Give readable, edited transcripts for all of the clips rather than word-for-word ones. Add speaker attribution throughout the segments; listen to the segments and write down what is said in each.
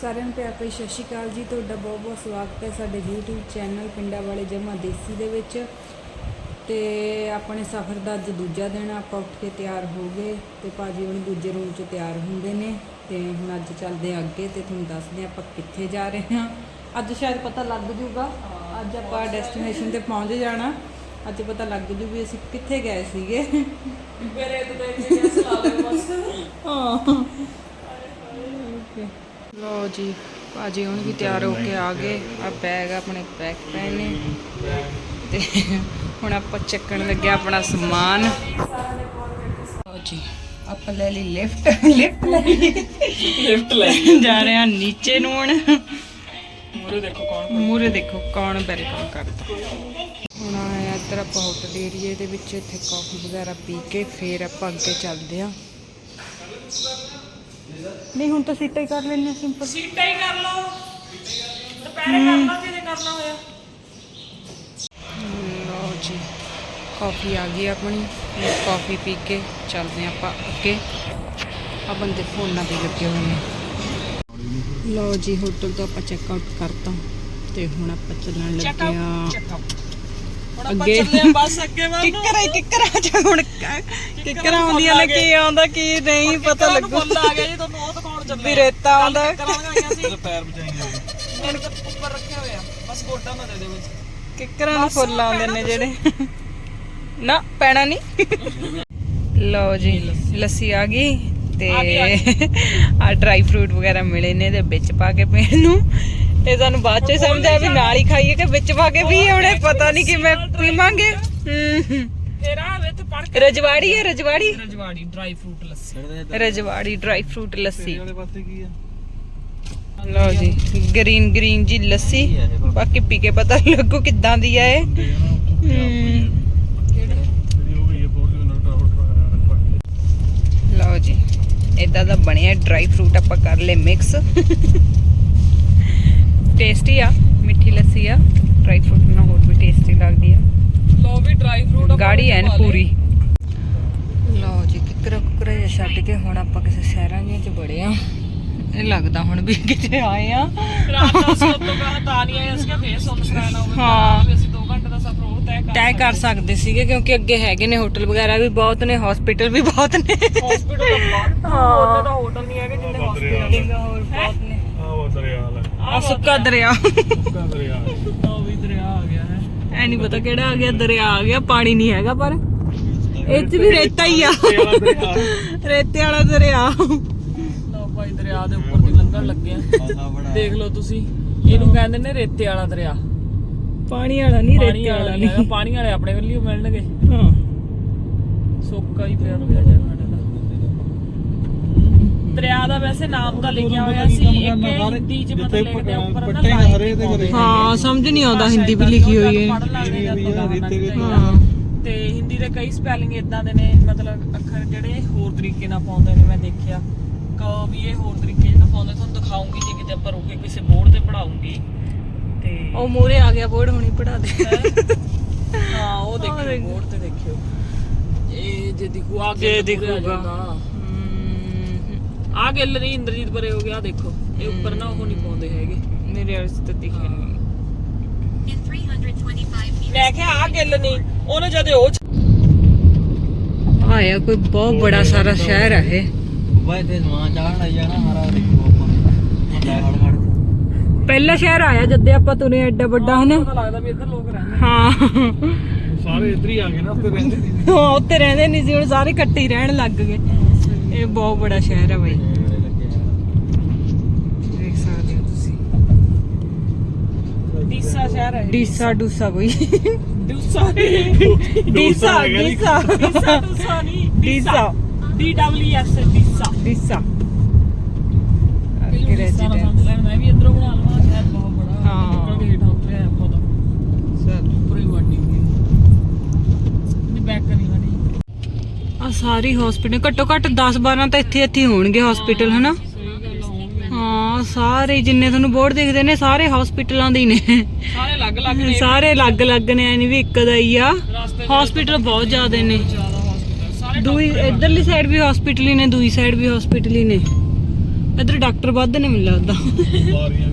Speaker 1: ਸਾਰਿਆਂ ਨੂੰ ਪਿਆਰ ਭਰੀ ਸਤਿ ਸ਼੍ਰੀ ਅਕਾਲ ਜੀ। ਤੁਹਾਡਾ ਬਹੁਤ ਬਹੁਤ ਸਵਾਗਤ ਹੈ ਸਾਡੇ YouTube ਚੈਨਲ ਪਿੰਡਾਂ ਵਾਲੇ ਜਮਾ ਦੇਸੀ ਦੇ ਵਿੱਚ। ਤੇ ਆਪਣੇ ਸਫ਼ਰ ਦਾ ਅੱਜ ਦੂਜਾ ਦਿਨ, ਆਪਾਂ ਉੱਠ ਕੇ ਤਿਆਰ ਹੋ ਗਏ ਤੇ ਭਾਜੀ ਹੁਣ ਦੂਜੇ ਰੂਮ 'ਚ ਤਿਆਰ ਹੁੰਦੇ ਨੇ। ਤੇ ਹੁਣ ਅੱਜ ਚੱਲਦੇ ਅੱਗੇ ਤੇ ਤੁਹਾਨੂੰ ਦੱਸਦੇ ਆਪਾਂ ਕਿੱਥੇ ਜਾ ਰਹੇ ਹਾਂ। ਅੱਜ ਸ਼ਾਇਦ ਪਤਾ ਲੱਗ ਜੂਗਾ, ਅੱਜ ਆਪਾਂ ਡੈਸਟੀਨੇਸ਼ਨ ਤੇ ਪਹੁੰਚ ਜਾਣਾ। ਅੱਜ ਪਤਾ ਲੱਗ ਜੂ ਵੀ ਅਸੀਂ ਕਿੱਥੇ ਗਏ ਸੀਗੇ।
Speaker 2: ਮੇਰੇ ਤੇ ਦੇਖ ਕੇ ਸਲਾਹ ਦੇ ਬਸ।
Speaker 1: ਹਾਂ ਲੋ ਜੀ, ਭਾਜੀ ਹੁਣ ਵੀ ਤਿਆਰ ਹੋ ਕੇ ਆ ਗਏ। ਆ ਬੈਗ ਆਪਣੇ ਪੈਕ ਪਏ ਨੇ ਤੇ ਹੁਣ ਆਪਾਂ ਚੱਕਣ ਲੱਗੇ ਆਪਣਾ ਸਮਾਨ। ਲੋ ਜੀ, ਆਪਾਂ ਲੈ ਲਈ ਲਿਫਟ ਲੈ ਜਾ ਰਹੇ ਹਾਂ ਨੀਚੇ ਨੂੰ। ਹੁਣ ਮੂਰੇ ਦੇਖੋ ਕੌਣ ਵੈਲਕਮ ਕਰਦਾ। ਹੁਣ ਆਇਆ ਇੱਧਰ ਆਪਾਂ ਹੋਟਲ ਏਰੀਏ ਦੇ ਵਿੱਚ, ਇੱਥੇ ਕਾਫੀ ਵਗੈਰਾ ਪੀ ਕੇ ਫਿਰ ਆਪਾਂ ਅੱਗੇ ਚੱਲਦੇ ਹਾਂ। ਨਹੀਂ ਹੁਣ ਤਾਂ ਸੀਟਾਂ ਹੀ ਕਰ ਲੈਣੇ, ਸਿੰਪਲ
Speaker 2: ਸੀਟਾਂ ਹੀ ਕਰ ਲਓ, ਦੁਪਹਿਰੇ ਕਰ ਲਓ ਜੇ ਕਰਨਾ ਹੋਇਆ।
Speaker 1: ਲਓ ਜੀ, ਕਾਫੀ ਆ ਗਈ ਆਪਣੀ। ਕਾਫੀ ਪੀ ਕੇ ਚੱਲਦੇ ਆਪਾਂ ਅੱਗੇ। ਆ ਬੰਦੇ ਫੋਨਾਂ ਤੇ ਲੱਗੇ ਹੋਏ ਨੇ। ਲਓ ਜੀ, ਹੋਟਲ ਤੋਂ ਆਪਾਂ ਚੈੱਕ ਆਊਟ ਕਰਤਾ ਤੇ ਹੁਣ ਆਪਾਂ ਚੱਲਣ ਲੱਗੇ ਆ ਅੱਗੇ।
Speaker 2: ਬਸ ਅੱਗੇ
Speaker 1: ਕਿੱਕਰਾਂ ਹੁਣ ਕਿੱਕਰਾਂ ਆਉਂਦੀਆਂ ਨੇ, ਕੀ ਆਉਂਦਾ ਕੀ ਨਹੀਂ ਪਤਾ ਲੱਗੂ।
Speaker 2: ਫੁੱਲ ਆ ਗਿਆ ਜੀ, ਤੁਹਾਨੂੰ ਉਹ ਦਿਖਾਉਣ ਚੱਲੇ।
Speaker 1: ਵੀ ਰੇਤਾ ਆਉਂਦਾ,
Speaker 2: ਪੈਰ ਬਚਾਈਆਂ ਮੇਰੇ ਕੋਲ ਉੱਪਰ ਰੱਖਿਆ ਹੋਇਆ, ਬਸ ਗੋਡਾ ਨਾ ਦੇ ਦੇ ਵਿੱਚ।
Speaker 1: ਕਿੱਕਰਾਂ ਨੂੰ ਫੁੱਲ ਆਉਂਦੇ ਨੇ ਜਿਹੜੇ ਨਾ ਪੈਣਾ ਨਹੀਂ। ਲਓ ਜੀ, ਲੱਸੀ ਆ ਗਈ ਤੇ ਆ ਡਰਾਈ ਫਰੂਟ ਵਗੈਰਾ ਮਿਲੇ ਨੇ ਇਹਦੇ ਵਿੱਚ ਪਾ ਕੇ ਪੀਣ ਨੂੰ। ਤੇ ਸਾਨੂੰ ਬਾਅਦ ਚ ਸਮਝ ਆਇਆ ਵੀ ਨਾਲ ਹੀ ਖਾਈਏ ਕਿ ਵਿੱਚ ਪਾ ਕੇ ਪੀਏ। ਹੁਣੇ ਪਤਾ ਨਹੀਂ ਕਿਵੇਂ ਪੀਵਾਂਗੇ।
Speaker 2: ਤੇਰਾ ਵਿੱਚ ਪੜ ਕੇ
Speaker 1: ਰਜਵਾੜੀ ਹੈ, Rajwadi
Speaker 2: dry fruit lassi.
Speaker 1: Rajwadi dry fruit lassi.
Speaker 2: ਵਾਲੇ ਪਾਸੇ ਕੀ ਆ?
Speaker 1: ਲਓ ਜੀ, ਗ੍ਰੀਨ ਜੀ ਲੱਸੀ। ਬਾਕੀ ਪੀ ਕੇ ਪਤਾ ਲੱਗੂ ਕਿੱਦਾਂ ਦੀ ਆ ਇਹ। ਲਓ ਜੀ, ਇਦਾਂ ਦਾ ਬਣਿਆ ਡਰਾਈ ਫਰੂਟ। ਆਪਾਂ ਕਰ ਲਏ ਮਿਕਸ। ਟੇਸਟੀ ਆ, ਮਿੱਠੀ ਲੱਸੀ ਆ। ਡਰਾਈ ਫਰੂਟ ਨਾਲ ਹੋਰ ਵੀ ਟੇਸਟੀ ਲੱਗਦੀ ਆ।
Speaker 2: ਲੋ ਵੀ ਡਰਾਈ ਫਰੂਟ
Speaker 1: ਗਾੜੀ ਐਨ ਪੂਰੀ। ਲਓ ਜੀ, ਕਿੱਕਰਾ ਜਿਹਾ ਛੱਡ ਕੇ ਹੁਣ ਆਪਾਂ ਕਿਸੇ ਸ਼ਹਿਰਾਂ ਜਿਹੀਆਂ 'ਚ ਬੜੇ ਆ। ਇਹ ਲੱਗਦਾ ਹੁਣ ਵੀ ਕਿਤੇ ਆਏ ਆ।
Speaker 2: ਰਾਤ ਦਾ ਅਸੀਂ ਉਦੋਂ ਬਾਅਦ ਤਾਂ ਨਹੀਂ ਆਏ, ਅਸੀਂ ਫੇਰ ਸੁਨਸਾਨ ਹੋ ਗਿਆ।
Speaker 1: ਹਾਂ,
Speaker 2: ਵੀ ਅਸੀਂ 2 ਘੰਟੇ ਦਾ ਸਫ਼ਰ ਹੋਰ
Speaker 1: ਤੈਅ ਕਰ ਸਕਦੇ ਸੀਗੇ ਕਿਉਂਕਿ ਅੱਗੇ ਹੈਗੇ ਨੇ ਹੋਟਲ ਵਗੈਰਾ ਵੀ ਬਹੁਤ ਨੇ, ਹਸਪੀਟਲ ਵੀ ਬਹੁਤ ਨੇ।
Speaker 2: ਹਸਪੀਟਲ ਤਾਂ ਬਹੁਤ ਉਹਨੇ ਤਾਂ ਹੋਟਲ ਨਹੀਂ ਹੈਗੇ ਜਿੰਨੇ ਹਸਪੀਟਲ
Speaker 1: ਹੋਰ ਬਹੁਤ ਨੇ।
Speaker 3: ਉਹ ਦਰਿਆ ਲੈ,
Speaker 1: ਆ ਸੁੱਕਾ ਦਰਿਆ।
Speaker 3: ਸੁੱਕਾ ਦਰਿਆ।
Speaker 2: ਉਹ ਵੀ ਦਰਿਆ ਆ ਗਿਆ ਹੈ।
Speaker 1: ਐ ਨਹੀਂ ਪਤਾ ਕਿਹੜਾ ਆ ਗਿਆ। ਦਰਿਆ ਆ ਗਿਆ, ਪਾਣੀ ਨਹੀਂ ਹੈਗਾ ਪਰ ਇਹ 'ਚ ਵੀ ਰੇਤਾ ਹੀ ਆ। ਰੇਤੇ ਵਾਲਾ ਦਰਿਆ।
Speaker 2: ਲਓ ਭਾਈ, ਦਰਿਆ ਦੇ ਉੱਪਰ ਦੀ ਲੰਘਣ ਲੱਗੇ ਆ। ਦੇਖ ਲਓ ਤੁਸੀਂ, ਇਹਨੂੰ ਕਹਿੰਦੇ ਨੇ ਰੇਤੇ ਵਾਲਾ ਦਰਿਆ।
Speaker 1: ਪਾਣੀ ਵਾਲਾ ਨਹੀਂ, ਰੇਤੇ ਵਾਲਾ ਨਹੀਂ।
Speaker 2: ਪਾਣੀ ਵਾਲੇ ਆਪਣੇ ਵੱਲ ਹੀ ਮਿਲਣਗੇ।
Speaker 1: ਹਾਂ,
Speaker 2: ਸੁੱਕਾ ਹੀ ਪਿਆ ਪਿਆ ਜਗ੍ਹਾ ਦਾ। ਦਰਿਆ ਦਾ ਵੈਸੇ ਨਾਮ ਤਾਂ ਲਿਖਿਆ ਹੋਇਆ ਸੀ, ਇੱਕ ਹਿੰਦੀ ਚ ਮਤਲਬ ਲਿਖਦੇ ਆ ਉੱਪਰ ਨਾ ਲਾਈਨ।
Speaker 1: ਹਾਂ, ਸਮਝ ਨਹੀਂ ਆਉਂਦਾ, ਹਿੰਦੀ ਵੀ ਲਿਖੀ ਹੋਈ ਹੈ।
Speaker 2: ਹਾਂ, ਤੇ ਹਿੰਦੀ ਦੇ ਕਈ ਸਪੈਲਿੰਗ ਇਦਾਂ ਦੇ ਨੇ, ਮਤਲਬ ਅੱਖਰ ਜਿਹੜੇ ਹੋਰ ਤਰੀਕੇ ਨਾਲ ਪਾਉਂਦੇ ਨੇ। ਮੈਂ ਦੇਖਿਆ ਵੀ ਇਹ ਹੋਰ ਤਰੀਕੇ ਨਾਲ ਪਾਉਂਦੇ। ਤੁਹਾਨੂੰ ਦਿਖਾਉਂਗੀ ਜੇ ਕਿਤੇ ਆਪਾਂ ਰੁਕੇ ਕਿਸੇ ਬੋਰਡ ਤੇ ਪੜਾਉਂਗੀ। ਤੇ
Speaker 1: ਉਹ ਮੂਰੇ ਆ ਗਿਆ ਬੋਰਡ, ਹੁਣੀ ਪੜਾ ਦੇ।
Speaker 2: ਹਾਂ, ਉਹ ਦੇਖਿਓ ਬੋਰਡ ਤੇ ਦੇਖਿਓ। ਇਹ ਜੇ ਦਿਖੂ ਆ
Speaker 1: ਜੇ ਦਿਖੂਗਾ।
Speaker 2: ਆ ਗੱਲ ਨਹੀਂ, ਇੰਦਰਜੀਤ ਬਰੇ ਹੋ ਗਿਆ। ਦੇਖੋ ਇਹ ਉੱਪਰ ਨਾ ਉਹ ਨਹੀਂ ਪਾਉਂਦੇ ਹੈਗੇ।
Speaker 1: ਮੇਰੇ ਵਾਲੇ ਤੇ ਦਿਖੇ ਨਹੀਂ।
Speaker 2: ਮੈਂ ਕਿਹਾ ਆ ਗੱਲ ਨਹੀਂ, ਉਹਨੇ ਜਦੇ ਉਹ
Speaker 1: ਆਇਆ ਕੋਈ ਬਹੁਤ ਬੜਾ ਸਾਰਾ ਸ਼ਹਿਰ ਹੈ ਇਹ। ਪਹਿਲਾ ਸ਼ਹਿਰ ਆਇਆ ਜਦੇ ਆਪਾਂ ਤੁਰੇ, ਐਡਾ ਵੱਡਾ ਹਨਾ।
Speaker 2: ਪਤਾ ਲੱਗਦਾ ਵੀ ਇੱਧਰ ਲੋਕ ਰਹਿੰਦੇ।
Speaker 1: ਹਾਂ,
Speaker 3: ਸਾਰੇ ਇੱਧਰ ਹੀ ਆ ਗਏ ਨਾ, ਉੱਥੇ ਰਹਿੰਦੇ ਨਹੀਂ।
Speaker 1: ਹਾਂ, ਉੱਥੇ ਰਹਿੰਦੇ ਨਹੀਂ ਸੀ, ਹੁਣ ਸਾਰੇ ਇਕੱਠੇ ਹੀ ਰਹਿਣ ਲੱਗ ਗਏ। ਇਹ ਬਹੁਤ ਬੜਾ ਸ਼ਹਿਰ ਹੈ ਬਾਈ, ਦੇਖ ਸਕਦੇ ਹੋ ਤੁਸੀਂ।
Speaker 2: ਡੀਸਾ ਸ਼ਹਿਰ ਹੈ।
Speaker 1: ਡੀਸਾ ਡੂਸਾ ਬਈ।
Speaker 2: ਡੂਸਾ
Speaker 1: ਡੀਸਾ
Speaker 2: ਡੂਸਾ ਨਹੀਂ,
Speaker 1: ਡੀਸਾ
Speaker 2: DWS ਡੀਸਾ।
Speaker 1: ਡੀਸਾ
Speaker 2: ਮੈਂ ਵੀ ਇੱਧਰੋਂ ਬਣਾ ਲਵਾਂ, ਸ਼ਹਿਰ ਬਹੁਤ ਬੜਾ।
Speaker 1: ਹਾਂ।
Speaker 2: ਨਿਕਲ ਕੇ ਹੇਠਾਂ ਉਤਰਿਆ ਆਪਾਂ ਤਾਂ ਪੂਰੀ ਵਾਡੀ ਨਹੀਂ ਬੈਕ ਕਰੀ ਵਾਡੀ।
Speaker 1: ਆ ਸਾਰੀ ਹਸਪੀਟਲ ਘੱਟੋ ਘੱਟ 10-12 ਤਾਂ ਇੱਥੇ ਹੋਣਗੇ ਹਸਪੀਟਲ, ਹਨਾ।
Speaker 2: ਸਹੀ ਗੱਲ ਹੋਊਗੀ।
Speaker 1: ਹਾਂ, ਸਾਰੇ ਜਿੰਨੇ ਤੁਹਾਨੂੰ ਬੋਰਡ ਦਿਖਦੇ ਨੇ ਸਾਰੇ ਹਸਪੀਟਲਾਂ ਦੇ ਹੀ ਨੇ।
Speaker 2: ਸਾਰੇ ਅਲੱਗ-ਅਲੱਗ ਨੇ,
Speaker 1: ਸਾਰੇ ਅਲੱਗ-ਅਲੱਗ ਨੇ, ਐ ਨਹੀਂ ਵੀ ਇੱਕ ਦਾ ਹੀ ਆ। ਹਸਪੀਟਲ ਬਹੁਤ ਜ਼ਿਆਦੇ ਨੇ।
Speaker 2: ਜ਼ਿਆਦਾ ਹਸਪੀਟਲ ਸਾਰੇ
Speaker 1: ਦੂਈ ਇਧਰਲੀ ਸਾਈਡ ਵੀ ਹਸਪੀਟਲ ਹੀ ਨੇ, ਦੂਈ ਸਾਈਡ ਵੀ ਹਸਪੀਟਲ ਹੀ ਨੇ। ਇੱਧਰ ਡਾਕਟਰ ਵੱਧ ਨੇ ਮੈਨੂੰ ਲੱਗਦਾ।
Speaker 3: ਬਿਮਾਰੀਆਂ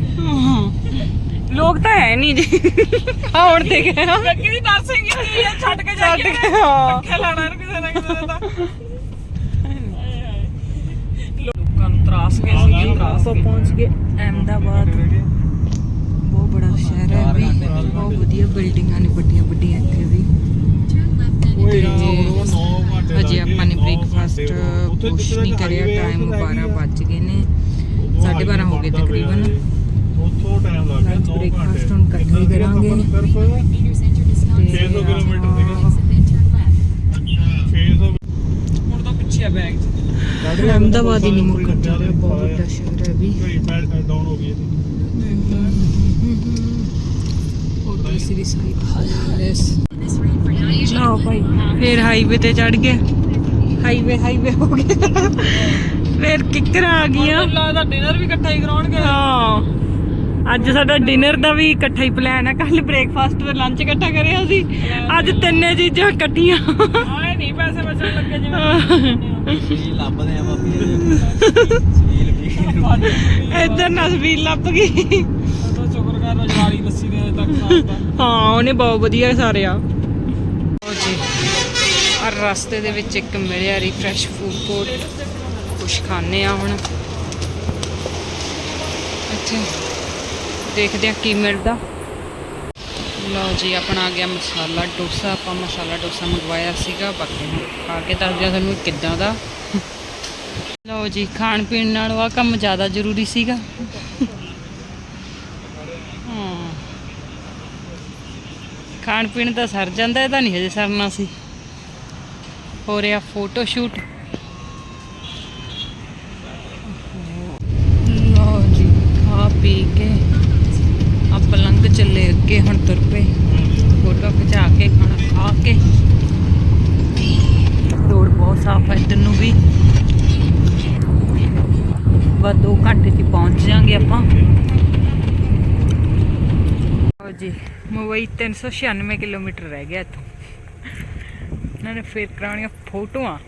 Speaker 1: ਲੋਕ ਤਾਂ ਹੈ ਨਹੀਂ ਜੀ। ਹੁਣ ਤੇ ਗਏ ਹਾਂ
Speaker 2: ਗੱਗੀ ਦੀ ਨਰਸਿੰਗ ਕੀ ਆ, ਛੱਡ ਕੇ
Speaker 1: ਛੱਡ
Speaker 2: ਜਾਈਏ
Speaker 1: ਕੇ ਹਾਂ
Speaker 2: ਪੱਖੇ ਲਾਣਾ ਇਹਨੂੰ ਕਿਸੇ ਨਾ ਕਿਸੇ ਦਾ। ਲੋਕਾਂ ਨੂੰ ਤਰਾਸ ਗਏ ਸੀ, ਤਰਾਸ
Speaker 1: ਆਪਾਂ ਪਹੁੰਚ ਗਏ ਅਹਿਮਦਾਬਾਦ। ਬਹੁਤ ਬੜਾ ਸ਼ਹਿਰ ਹੈ ਵੀ, ਬਹੁਤ ਵਧੀਆ ਬਿਲਡਿੰਗਾਂ ਨੇ ਵੱਡੀਆਂ ਵੱਡੀਆਂ ਇੱਥੇ ਵੀ। ਹਜੇ ਆਪਾਂ ਨੇ ਬ੍ਰੇਕਫਾਸਟ ਕੁਛ ਨਹੀਂ ਕਰਿਆ, ਟਾਈਮ 12 ਵੱਜ ਗਏ ਨੇ, 12:30 ਹੋ ਗਏ ਤਕਰੀਬਨ।
Speaker 3: ਉੱਥੋਂ ਟਾਈਮ ਲੱਗ ਗਿਆ
Speaker 1: ਲੰਚ
Speaker 3: 9
Speaker 1: ਬ੍ਰੇਕਫਾਸਟ ਹੁਣ ਇਕੱਠੇ ਹੀ ਕਰਾਂਗੇ।
Speaker 3: 600 ਕਿਲੋਮੀਟਰ ਸੀਗਾ। 600
Speaker 2: ਹੁਣ ਤਾਂ ਪਿੱਛੇ ਆ ਬੈਗ 'ਚ।
Speaker 1: ਅਹਿਮਦਾਬਾਦ ਹੀ ਨਹੀਂ ਮੁੱਕਣ ਜਾ ਰਿਹਾ, ਬਹੁਤ ਵੱਡਾ ਸ਼ਹਿਰ ਹੈ ਵੀ।
Speaker 3: ਡਾਊਨ ਹੋ ਗਈ ਇਹਦੀ।
Speaker 1: ਉਹ ਸ੍ਰੀ ਸਾਹਿਬ ਲਓ ਭਾਈ, ਫਿਰ ਹਾਈਵੇ ਤੇ ਚੜ ਗਏ। ਹਾਈਵੇ ਹੋ ਗਿਆ, ਫਿਰ ਕਿੱਕਰਾਂ ਆ ਗਈਆਂ।
Speaker 2: ਮੈਨੂੰ ਲੱਗਦਾ ਡਿਨਰ ਵੀ ਇਕੱਠਾ ਹੀ ਕਰਾਉਣਗੇ।
Speaker 1: ਹਾਂ, ਅੱਜ ਸਾਡਾ ਡਿਨਰ ਦਾ ਵੀ ਇਕੱਠਾ ਹੀ ਪਲਾਨ ਹੈ। ਕੱਲ ਬ੍ਰੇਕਫਾਸਟ ਤੇ ਲੰਚ ਇਕੱਠਾ ਕਰਿਆ ਸੀ, ਅੱਜ ਤਿੰਨੇ ਚੀਜ਼ਾਂ ਇਕੱਠੀਆਂ।
Speaker 2: ਆਏ ਨਹੀਂ ਪੈਸੇ ਬਚਣ ਲੱਗੇ ਜਿਵੇਂ
Speaker 4: ਲੱਭਦੇ ਆ ਬਾਬੀ
Speaker 1: ਇੱਧਰ ਨਸਬੀਲ ਲੱਭ ਗਈ।
Speaker 2: ਤਾਂ ਸ਼ੁਕਰ ਕਰ ਰਜਵਾੜੀ ਲੱਸੀ ਦੇ ਤੱਕ ਸਾਡਾ।
Speaker 1: ਹਾਂ, ਉਹਨੇ ਬਹੁਤ ਵਧੀਆ ਸਾਰੇ ਆ ਜੀ। ਔਰ ਰਸਤੇ ਦੇ ਵਿੱਚ ਇੱਕ ਮਿਲਿਆ ਰਿਫਰੈਸ਼ ਫੂਡ ਕੋਰਟ, ਕੁਛ ਖਾਣੇ ਆ ਹੁਣ ਇੱਥੇ, ਦੇਖਦੇ ਆ ਕੀ ਮਿਲਦਾ। ਲਓ ਜੀ, ਆਪਣਾ ਆ ਗਿਆ ਮਸਾਲਾ ਡੋਸਾ। ਆਪਾਂ ਮਸਾਲਾ ਡੋਸਾ ਮੰਗਵਾਇਆ ਸੀਗਾ, ਬਾਕੀ ਹੁਣ ਖਾ ਕੇ ਦੱਸਦੇ ਤੁਹਾਨੂੰ ਕਿੱਦਾਂ ਦਾ। ਲਓ ਜੀ, ਖਾਣ ਪੀਣ ਨਾਲੋਂ ਆਹ ਕੰਮ ਜ਼ਿਆਦਾ ਜ਼ਰੂਰੀ ਸੀਗਾ। ਹਾਂ, ਖਾਣ ਪੀਣ ਤਾਂ ਸਰ ਜਾਂਦਾ, ਇਹਦਾ ਨਹੀਂ ਹਜੇ ਸਰਨਾ ਸੀ। ਹੋ ਰਿਹਾ ਫੋਟੋ ਸ਼ੂਟ। ਲਓ ਜੀ, ਖਾ ਪੀ ਕੇ ਆਪਾਂ ਲੰਘ ਚੱਲੇ ਅੱਗੇ, ਹੁਣ ਤੁਰ ਪਏ। ਫੋਟੋ ਖਿਚਾ ਕੇ, ਖਾਣਾ ਖਾ ਕੇ। ਰੋਡ ਬਹੁਤ ਸਾਫ਼ ਹੈ ਇੱਧਰ ਨੂੰ ਵੀ। ਬਸ 2 ਘੰਟੇ 'ਚ ਪਹੁੰਚ ਜਾਾਂਗੇ ਆਪਾਂ। ਲਓ ਜੀ, ਮੁੰਬਈ 396 ਕਿਲੋਮੀਟਰ ਰਹਿ ਗਿਆ ਇੱਥੋਂ। ਇਹਨਾਂ ਨੇ ਫਿਰ ਕਰਾਉਣੀਆਂ ਫੋਟੋਆਂ।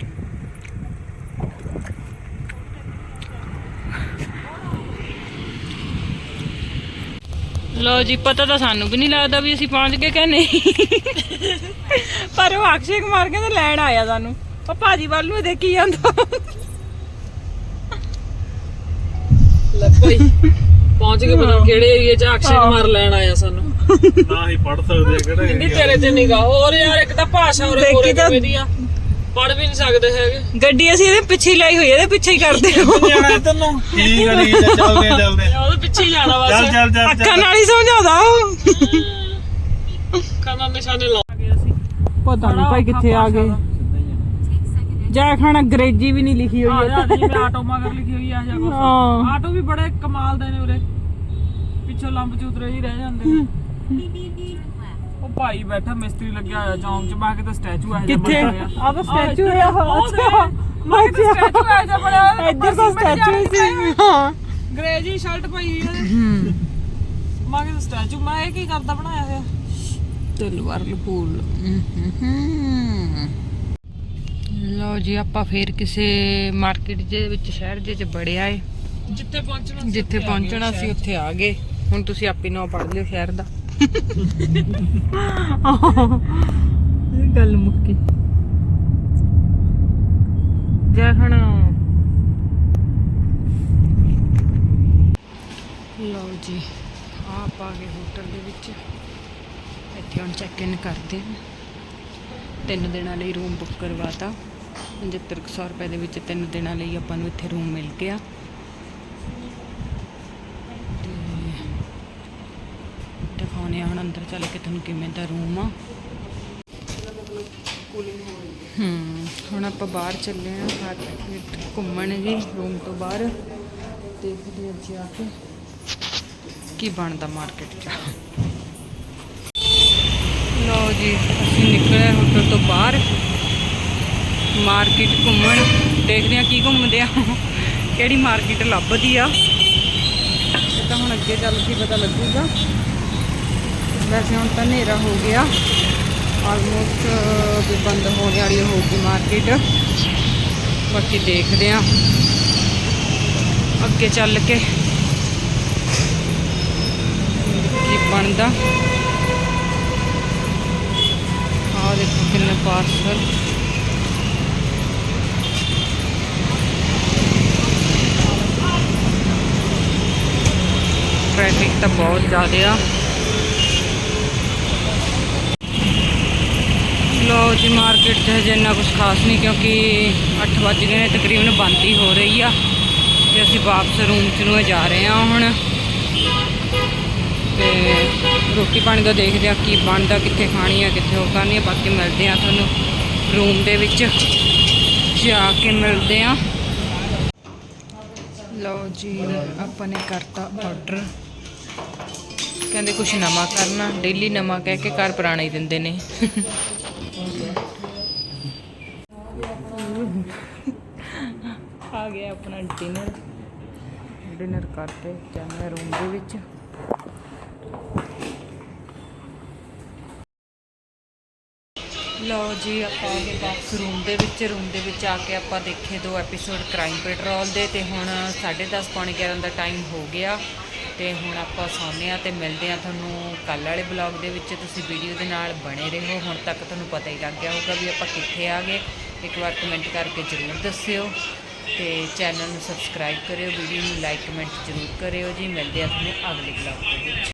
Speaker 1: ਲਓ ਜੀ, ਪਤਾ ਤਾਂ ਸਾਨੂੰ ਵੀ ਨਹੀਂ ਲੱਗਦਾ ਵੀ ਅਸੀਂ ਪਹੁੰਚ ਗਏ ਕਿ ਨਹੀਂ। ਪਰ ਉਹ ਅਕਸ਼ੇ ਕੁਮਾਰ ਕਹਿੰਦੇ ਲੈਣ ਆਇਆ ਸਾਨੂੰ। ਉਹ ਭਾਜੀ ਵੱਲ ਨੂੰ ਦੇਖੀ ਜਾਂਦਾ।
Speaker 2: ਲੱਭੋ ਹੀ ਪਹੁੰਚ ਗਏ, ਪਤਾ ਨੀ ਕਿਹੜੇ ਏਰੀਆ 'ਚ ਅਕਸ਼ੇ ਕੁਮਾਰ ਲੈਣ ਆਇਆ ਸਾਨੂੰ।
Speaker 3: ਨਾ ਹੀ ਪੜ ਸਕਦੇ ਆ ਕਿਹੜਾ
Speaker 2: ਇੰਨੀ ਤੇਰੇ ਤੇ ਨਿਗਾ। ਹੋਰ ਯਾਰ, ਇੱਕ ਤਾਂ ਭਾਸ਼ਾ ਉਰੇ
Speaker 1: ਦੇਖੀ
Speaker 2: ਕੋਰੇ
Speaker 1: ਤਾਂ-
Speaker 2: ਕਿਵੇਂ ਦੀ ਆ, ਪੜ ਵੀ ਨਹੀਂ ਸਕਦੇ ਹੈਗੇ।
Speaker 1: ਗੱਡੀ ਅਸੀਂ ਇਹਦੇ ਪਿੱਛੇ ਹੀ ਲਾਈ ਹੋਈ ਹੈ, ਇਹਦੇ ਪਿੱਛੇ ਹੀ ਕਰਦੇ
Speaker 3: ਜਾਣਾ ਇੱਧਰ ਨੂੰ। ਠੀਕ ਆ, ਠੀਕ ਆ, ਚੱਲਦੇ ਆ
Speaker 2: ਉਹਦੇ ਪਿੱਛੇ ਹੀ ਜਾਣਾ ਬਸ।
Speaker 3: ਚੱਲ
Speaker 1: ਅੱਖਾਂ ਨਾਲ ਹੀ ਸਮਝਾਉਂਦਾ ਉਹ।
Speaker 2: ਖਾਣਾ ਨਿਸ਼ਾਨੇ ਲਾ ਗਏ ਅਸੀਂ।
Speaker 1: ਪਤਾ ਨਹੀਂ ਭਾਈ ਕਿੱਥੇ ਆ ਗਏ। ਜਾ ਖਾਣਾ ਅੰਗਰੇਜ਼ੀ ਵੀ ਨਹੀਂ ਲਿਖੀ ਹੋਈ ਹੈ।
Speaker 2: ਜਿਵੇਂ ਆਟੋ ਮਗਰ ਲਿਖੀ ਹੋਈ ਆ ਜਾਂ ਕੁਛ।
Speaker 1: ਹਾਂ।
Speaker 2: ਆਟੋ ਵੀ ਬੜੇ ਕਮਾਲ ਦੇ ਨੇ ਉਰੇ, ਪਿੱਛੋਂ ਲੰਬ ਚੂਤਰੇ ਹੀ ਰਹਿ ਜਾਂਦੇ ਨੇ। ਉਹ ਭਾਈ ਬੈਠਾ ਮਿਸਤਰੀ ਲੱਗਿਆ ਹੋਇਆ ਚੌਂਕ 'ਚ। ਮੈਂ ਕਿਤੇ ਸਟੈਚੂ ਆ
Speaker 1: ਕਿੱਥੇ? ਆਹ ਤਾਂ statue ਆ।
Speaker 2: ਅੱਛਾ, ਮੈਂ ਕਿਤੇ ਸਟੈਚੂ ਆ ਜਾ ਬੜਾ।
Speaker 1: ਇੱਧਰ ਤਾਂ ਸਟੈਚੂ ਹੀ ਸੀ। ਹਾਂ,
Speaker 2: ਗ੍ਰੇ ਜੀ ਸ਼ਰਟ ਪਾਈ ਹੋਈ ਉਹਦੇ। ਮੈਂ ਕਿਤੇ ਸਟੈਚੂ। ਮੈਂ ਇਹ ਕੀ ਕਰਦਾ ਬਣਾਇਆ ਹੋਇਆ?
Speaker 1: ਤਲਵਾਰ ਲਪੂਲ। ਲਓ ਜੀ, ਆਪਾਂ ਫੇਰ ਕਿਸੇ ਮਾਰਕੀਟ ਦੇ ਵਿੱਚ, ਸ਼ਹਿਰ ਦੇ ਵਿੱਚ ਬੜਿਆ ਏ।
Speaker 2: ਜਿੱਥੇ ਪਹੁੰਚਣਾ
Speaker 1: ਜਿੱਥੇ ਪਹੁੰਚਣਾ ਸੀ ਉੱਥੇ ਆ ਗਏ। ਹੁਣ ਤੁਸੀਂ ਆਪੇ ਨਾਂ ਪੜ੍ਹ ਲਿਓ ਸ਼ਹਿਰ ਦਾ। ਇਹ ਗੱਲ ਮੁੱਕੀ। ਜਾ ਖਾਣਾ। ਲਓ ਜੀ, ਆਪ ਆ ਗਏ ਹੋਟਲ ਦੇ ਵਿੱਚ। ਇੱਥੇ ਹੁਣ ਚੈੱਕ ਇਨ ਕਰਦੇ ਹਾਂ। 3 ਦਿਨਾਂ ਲਈ ਰੂਮ ਬੁੱਕ ਕਰਵਾਤਾ। 7500 ਰੁਪਏ ਦੇ ਵਿੱਚ 3 ਦਿਨਾਂ ਲਈ ਆਪਾਂ ਨੂੰ ਇੱਥੇ ਰੂਮ ਮਿਲ ਗਿਆ। ਦਿਖਾਉਂਦੇ ਹਾਂ ਹੁਣ ਅੰਦਰ ਚੱਲ ਕੇ ਤੁਹਾਨੂੰ ਕਿਵੇਂ ਦਾ ਰੂਮ ਆ। ਹੁਣ ਆਪਾਂ ਬਾਹਰ ਚੱਲੇ ਹਾਂ ਮਾਰਕੀਟ ਘੁੰਮਣ ਜੀ। ਰੂਮ ਤੋਂ ਬਾਹਰ ਦੇਖਦੇ ਹਾਂ ਜਾ ਕੇ ਕੀ ਬਣਦਾ ਮਾਰਕੀਟ 'ਚ। ਲਓ ਜੀ, ਅਸੀਂ ਨਿਕਲੇ ਹੋਟਲ ਤੋਂ ਬਾਹਰ ਮਾਰਕੀਟ ਘੁੰਮਣ। ਦੇਖਦੇ ਹਾਂ ਕੀ ਘੁੰਮਦੇ ਆ, ਕਿਹੜੀ ਮਾਰਕੀਟ ਲੱਭਦੀ ਆ। ਇਹ ਤਾਂ ਹੁਣ ਅੱਗੇ ਚੱਲ ਕੇ ਪਤਾ ਲੱਗੂਗਾ। ਵੈਸੇ ਹੁਣ ਤਾਂ ਹਨੇਰਾ ਹੋ ਗਿਆ, ਆਲਮੋਸਟ ਵੀ ਬੰਦ ਹੋਣ ਵਾਲੀ ਹੋਊਗੀ ਮਾਰਕੀਟ। ਬਾਕੀ ਦੇਖਦੇ ਹਾਂ ਅੱਗੇ ਚੱਲ ਕੇ ਕੀ ਬਣਦਾ। ਆਹ ਦੇਖੋ ਕਿੰਨੇ ਪਾਰਸਲ। ट्रैफिक तो बहुत ज़्यादा आ। लो जी मार्केट च हजे इन्ना कुछ खास नहीं क्योंकि 8 बज गए ने, तकरीबन बंद ही हो रही आ। तो असी वापस रूम च ਨੂੰ जा रहे हैं हुण। तो रोटी पानी का देखते हैं की बनता, कित्थे खानी है कित्थे वो करनी है। बाकी मिलते हैं तुहानूं रूम दे विच जाके मिलते हैं। लो जी अपने करता ऑर्डर, कहते कुछ नवा करना, डेली नवा कह के घर पुराना ही देंदे ने। आ गया अपना डिनर करते जाने रूम दे विच। लो जी आप आ गए वापस रूम दे विच आके आप देखे 2 एपीसोड क्राइम पेट्रोल दे। ते हुण 10:30 पौने 11 का टाइम हो गया। तो हुण आपां सौंदे आ ते मिलदे आ तुहानूं कल वाले ब्लॉग दे विच। तुसीं वीडियो दे नाल बने रहो। हुण तक तुहानूं पता ही लग गया होगा भी आपां कित्थे आ गए। एक बार कमेंट करके जरूर दस्सिओ ते चैनल नूं सबसक्राइब करिओ, वीडियो नूं लाइक कमेंट जरूर करिओ जी। मिलदे आ तुहानूं अगले ब्लॉग दे विच।